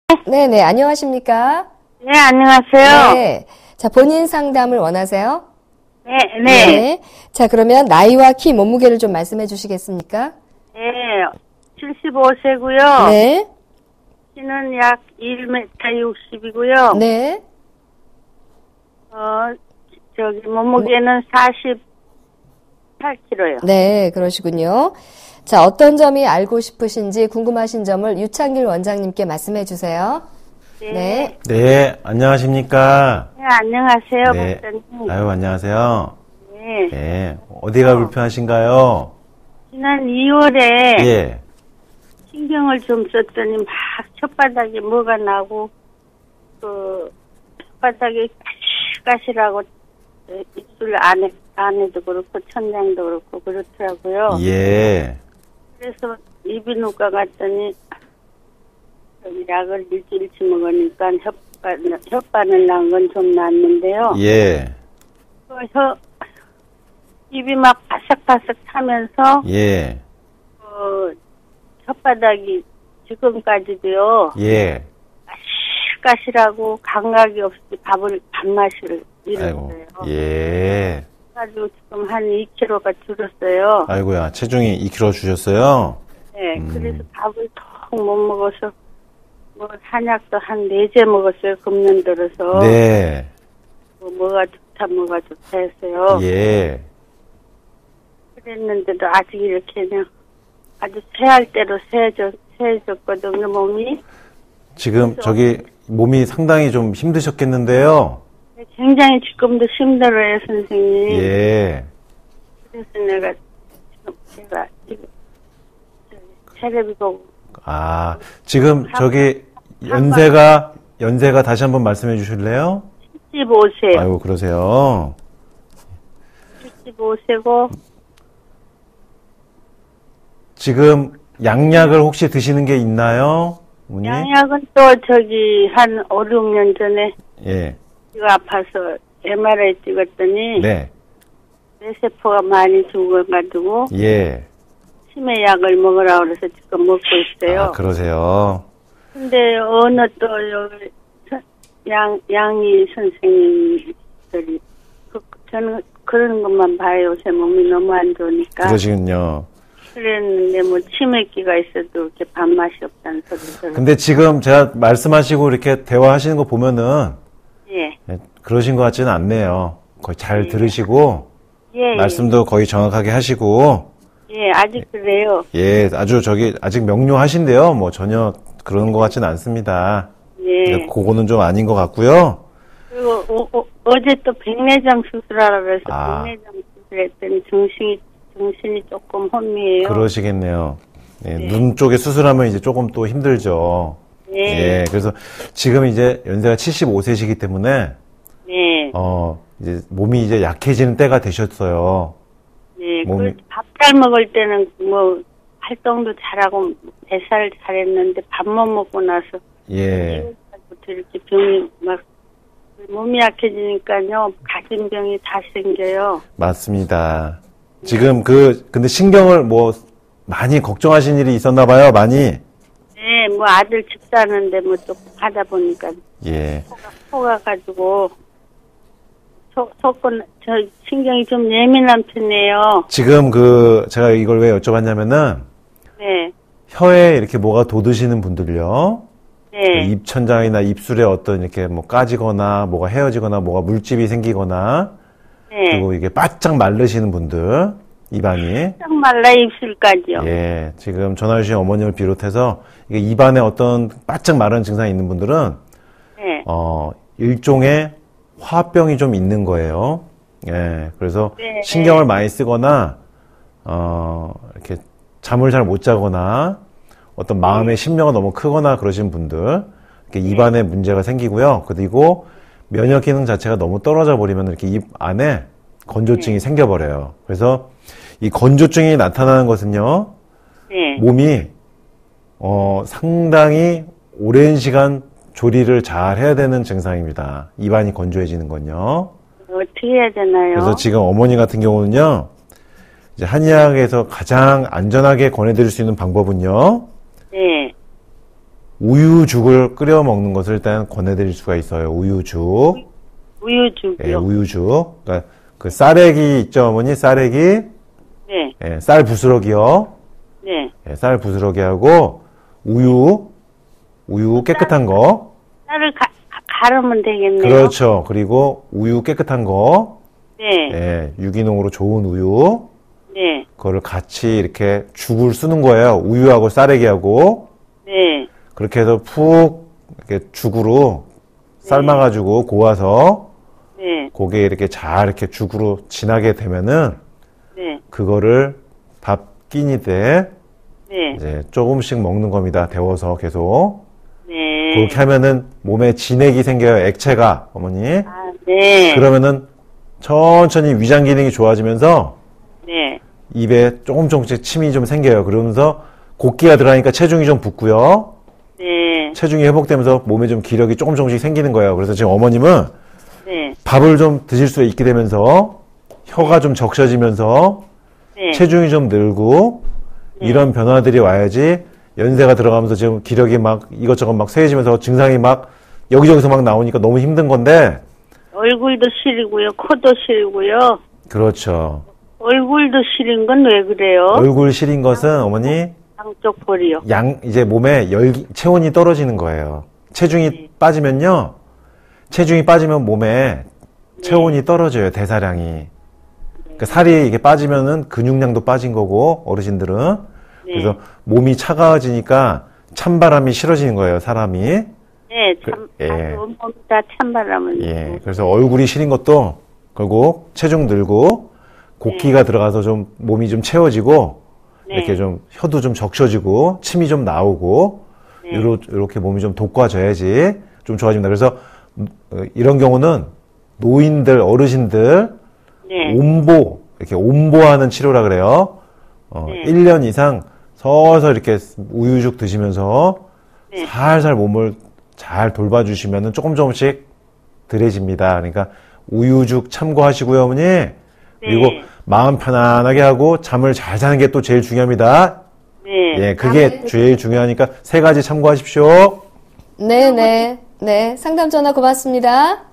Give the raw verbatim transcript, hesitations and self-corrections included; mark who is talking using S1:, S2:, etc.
S1: 네네, 안녕하십니까?
S2: 네, 안녕하세요.
S1: 네. 자, 본인 상담을 원하세요?
S2: 네, 네.
S1: 네. 자, 그러면 나이와 키, 몸무게를 좀 말씀해 주시겠습니까?
S2: 네, 칠십오 세고요.
S1: 네.
S2: 키는 약 일 미터 육십이고요.
S1: 네.
S2: 어, 저기, 몸무게는 사십팔 킬로그램요.
S1: 네, 그러시군요. 자, 어떤 점이 알고 싶으신지 궁금하신 점을 유창길 원장님께 말씀해 주세요.
S2: 네.
S1: 네.
S3: 네, 안녕하십니까.
S2: 네, 안녕하세요,
S3: 네.
S2: 박사님.
S3: 아유, 안녕하세요.
S2: 네.
S3: 네. 어디가 불편하신가요?
S2: 지난 이월에
S3: 예.
S2: 신경을 좀 썼더니 막 혓바닥에 뭐가 나고, 그, 혓바닥에 가시가시라고 입술 안에, 안에도 그렇고, 천장도 그렇고, 그렇더라고요.
S3: 예.
S2: 그래서 이비인후과 갔더니, 저기 약을 일주일치 먹으니까 혓바, 혓바늘 난 건 좀 낫는데요.
S3: 예.
S2: 그 혀, 입이 막 바삭바삭 타면서,
S3: 예.
S2: 어, 혓바닥이 지금까지도요,
S3: 예.
S2: 가시가시라고 감각이 없이 밥을, 밥맛을
S3: 아이고.
S2: 잃었어요.
S3: 예.
S2: 그래가지고 지금 한 이 킬로그램가 줄었어요.
S3: 아이고야, 체중이 이 킬로그램 주셨어요?
S2: 네,
S3: 음.
S2: 그래서 밥을 턱 못 먹어서, 뭐, 한약도 한 네 제 먹었어요, 금년 들어서.
S3: 네.
S2: 뭐, 뭐가 좋다, 뭐가 좋다 했어요.
S3: 예.
S2: 그랬는데도 아직 이렇게 그냥 아주 새할 대로 새해졌, 새해졌거든요, 몸이.
S3: 지금 저기 몸이 상당히 좀 힘드셨겠는데요?
S2: 굉장히 지금도 힘들어요, 선생님.
S3: 예.
S2: 그래서 내가, 지금 제가, 지금, 저기, 텔레비 보고.
S3: 아, 지금 저기 연세가, 연세가 다시 한번 말씀해 주실래요?
S2: 칠십오 세.
S3: 아이고, 그러세요.
S2: 칠십오 세고,
S3: 지금 양약을 혹시 드시는 게 있나요? 어머니?
S2: 양약은 또 저기 한 오, 육 년 전에
S3: 예.
S2: 이가 아파서 엠알아이 찍었더니
S3: 네.
S2: 뇌세포가 많이 죽어가지고
S3: 예.
S2: 치매 약을 먹으라 그래서 지금 먹고 있어요.
S3: 아, 그러세요.
S2: 근데 어느 또 여기 선- 양 양이 선생님들이 그, 저는 그런 것만 봐요. 제 몸이 너무 안 좋으니까.
S3: 그러시군요.
S2: 그랬는데 뭐 치매기가 있어도 이렇게 밥맛이 없다는 소리 들어요.
S3: 근데 지금 제가 말씀하시고 이렇게 대화하시는 거 보면은
S2: 예.
S3: 예, 그러신 것 같지는 않네요. 거의 잘
S2: 예.
S3: 들으시고
S2: 예.
S3: 말씀도 거의 정확하게 하시고
S2: 예, 아직 그래요.
S3: 예, 아주 저기 아직 명료하신데요. 뭐 전혀 그런 것 같지는 않습니다.
S2: 예.
S3: 근데 그거는 좀 아닌 것 같고요.
S2: 그리고 어, 어, 어제 또 백내장 수술하라 그래서
S3: 아.
S2: 백내장 수술했더니 정신이 정신이 조금 혼미해요.
S3: 그러시겠네요. 예,
S2: 네.
S3: 눈 쪽에 수술하면 이제 조금 또 힘들죠.
S2: 네.
S3: 예, 그래서 지금 이제 연세가 칠십오 세시기 때문에
S2: 네.
S3: 어 이제 몸이 이제 약해지는 때가 되셨어요.
S2: 네.
S3: 몸이-
S2: 밥 잘 먹을 때는 뭐 활동도 잘하고 대사를 잘했는데 밥 못 먹고 나서
S3: 예,
S2: 부터 이렇게 병이 막 몸이 약해지니까요 가진 병이 다 생겨요.
S3: 맞습니다. 지금 그 근데 신경을 뭐 많이 걱정하신 일이 있었나 봐요. 많이.
S2: 네. 뭐 아들 집 사는데 뭐 조금 하다 보니까
S3: 예.
S2: 속아, 속아가지고 속 속은 저 신경이 좀 예민한 편이에요.
S3: 지금 그 제가 이걸 왜 여쭤봤냐면은
S2: 네.
S3: 혀에 이렇게 뭐가 돋으시는 분들요.
S2: 네.
S3: 입천장이나 입술에 어떤 이렇게 뭐 까지거나 뭐가 헤어지거나 뭐가 물집이 생기거나
S2: 네.
S3: 그리고 이게 바짝 마르시는 분들 입안이
S2: 딱 말라 입술까지요.
S3: 예 지금 전화 주신 어머님을 비롯해서 이게 입안에 어떤 바짝 마른 증상이 있는 분들은
S2: 네.
S3: 어 일종의 화병이 좀 있는 거예요. 예 그래서
S2: 네.
S3: 신경을 많이 쓰거나 어 이렇게 잠을 잘 못 자거나 어떤 마음의 신명이 너무 크거나 그러신 분들 이렇게 입안에 문제가 생기고요. 그리고 면역 기능 자체가 너무 떨어져 버리면 이렇게 입 안에 건조증이
S2: 네.
S3: 생겨버려요. 그래서 이 건조증이 나타나는 것은요,
S2: 네.
S3: 몸이 어, 상당히 오랜 시간 조리를 잘 해야 되는 증상입니다. 입안이 건조해지는 건요.
S2: 어떻게 해야 되나요?
S3: 그래서 지금 어머니 같은 경우는요, 이제 한의학에서 가장 안전하게 권해드릴 수 있는 방법은요,
S2: 네.
S3: 우유죽을 끓여 먹는 것을 일단 권해드릴 수가 있어요. 우유죽.
S2: 우유죽이요.
S3: 예, 우유죽. 그러니까 그 쌀액이 있죠, 어머니? 쌀액이.
S2: 네.
S3: 예, 쌀 부스러기요.
S2: 네.
S3: 예, 쌀 부스러기하고 우유, 우유 깨끗한 거.
S2: 쌀을 가, 가- 갈으면 되겠네요.
S3: 그렇죠. 그리고 우유 깨끗한 거.
S2: 네.
S3: 예, 유기농으로 좋은 우유.
S2: 네.
S3: 그거를 같이 이렇게 죽을 쓰는 거예요. 우유하고 쌀액이하고.
S2: 네.
S3: 그렇게 해서 푹 이렇게 죽으로 삶아가지고 고아서
S2: 네.
S3: 고게 이렇게 잘 이렇게 죽으로 진하게 되면은
S2: 네.
S3: 그거를 밥 끼니 때
S2: 네.
S3: 이제 조금씩 먹는 겁니다. 데워서 계속.
S2: 네.
S3: 그렇게 하면은 몸에 진액이 생겨요. 액체가, 어머니.
S2: 아, 네.
S3: 그러면은 천천히 위장 기능이 좋아지면서
S2: 네.
S3: 입에 조금 조금씩 침이 좀 생겨요. 그러면서 곡기가 들어가니까 체중이 좀 붙고요.
S2: 네.
S3: 체중이 회복되면서 몸에 좀 기력이 조금 조금씩 생기는 거예요. 그래서 지금 어머님은
S2: 네.
S3: 밥을 좀 드실 수 있게 되면서 혀가 좀 적셔지면서
S2: 네.
S3: 체중이 좀 늘고 이런 변화들이 와야지 연세가 들어가면서 지금 기력이 막 이것저것 막 세해지면서 증상이 막 여기저기서 막 나오니까 너무 힘든 건데.
S2: 얼굴도 시리고요. 코도 시리고요.
S3: 그렇죠.
S2: 얼굴도 시린 건 왜 그래요?
S3: 얼굴 시린 것은 어머니
S2: 양쪽 볼이요.
S3: 양 이제 몸에 열기 체온이 떨어지는 거예요. 체중이
S2: 네.
S3: 빠지면요. 체중이 빠지면 몸에 체온이 떨어져요. 대사량이. 그러니까 살이 이게 빠지면은 근육량도 빠진 거고 어르신들은
S2: 네.
S3: 그래서 몸이 차가워지니까 찬바람이 싫어지는 거예요. 사람이.
S2: 네, 참,
S3: 그, 예.
S2: 아, 온몸다 찬바람을.
S3: 예. 그래서 얼굴이 시린 것도 결국 체중 늘고 곡기가 들어가서 좀 몸이 좀 채워지고
S2: 네.
S3: 이렇게 좀 혀도 좀 적셔지고 침이 좀 나오고
S2: 네.
S3: 요러, 이렇게 몸이 좀 돋궈져야지 좀 좋아집니다. 그래서 어, 이런 경우는 노인들, 어르신들
S2: 네.
S3: 온보 이렇게 온보하는 치료라 그래요. 어,
S2: 네.
S3: 일 년 이상 서서 이렇게 우유죽 드시면서
S2: 네.
S3: 살살 몸을 잘 돌봐주시면은 조금 조금씩 덜해집니다. 그러니까 우유죽 참고하시고요, 어머니. 그리고 마음 편안하게 하고 잠을 잘 자는 게 또 제일 중요합니다.
S2: 네.
S3: 예, 그게 제일 중요하니까 세 가지 참고하십시오.
S1: 네네. 네. 상담 전화 고맙습니다.